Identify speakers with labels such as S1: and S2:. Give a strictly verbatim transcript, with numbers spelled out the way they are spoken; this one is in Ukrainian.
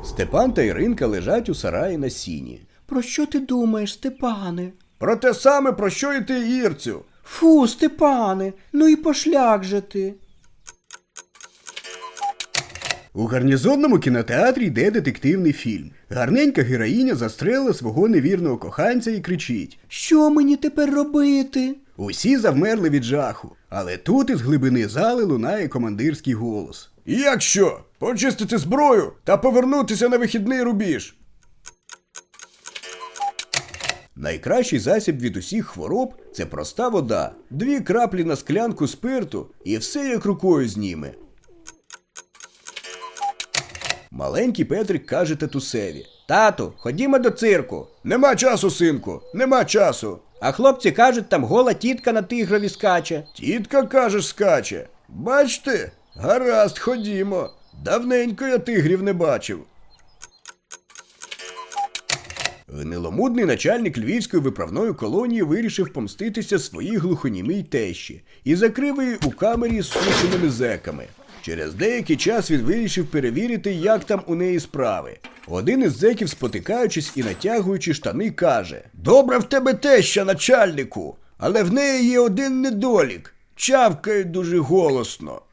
S1: Степан та Іринка лежать у сараї на сіні.
S2: Про що ти думаєш, Степане?
S1: Про те саме, про що і ти, Ірцю.
S2: Фу, Степане, ну і пошляк же ти.
S1: У гарнізонному кінотеатрі йде детективний фільм. Гарненька героїня застрелила свого невірного коханця і кричить:
S2: Що мені тепер робити?
S1: Усі завмерли від жаху, але тут із глибини зали лунає командирський голос. Як що? Почистити зброю та повернутися на вихідний рубіж. Найкращий засіб від усіх хвороб – це проста вода. Дві краплі на склянку спирту і все як рукою зніме. Маленький Петрик каже татусеві:
S2: Тату, ходімо до цирку.
S1: Нема часу, синку, нема часу.
S2: А хлопці кажуть, там гола тітка на тигрові скаче.
S1: Тітка, кажеш, скаче. Бачте? Гаразд, ходімо. Давненько я тигрів не бачив. Гниломудний начальник львівської виправної колонії вирішив помститися своїй глухонімій тещі і закрив її у камері з сушеними зеками. Через деякий час він вирішив перевірити, як там у неї справи. Один із зеків, спотикаючись і натягуючи штани, каже: «Добра в тебе теща, начальнику, але в неї є один недолік. Чавкає дуже голосно».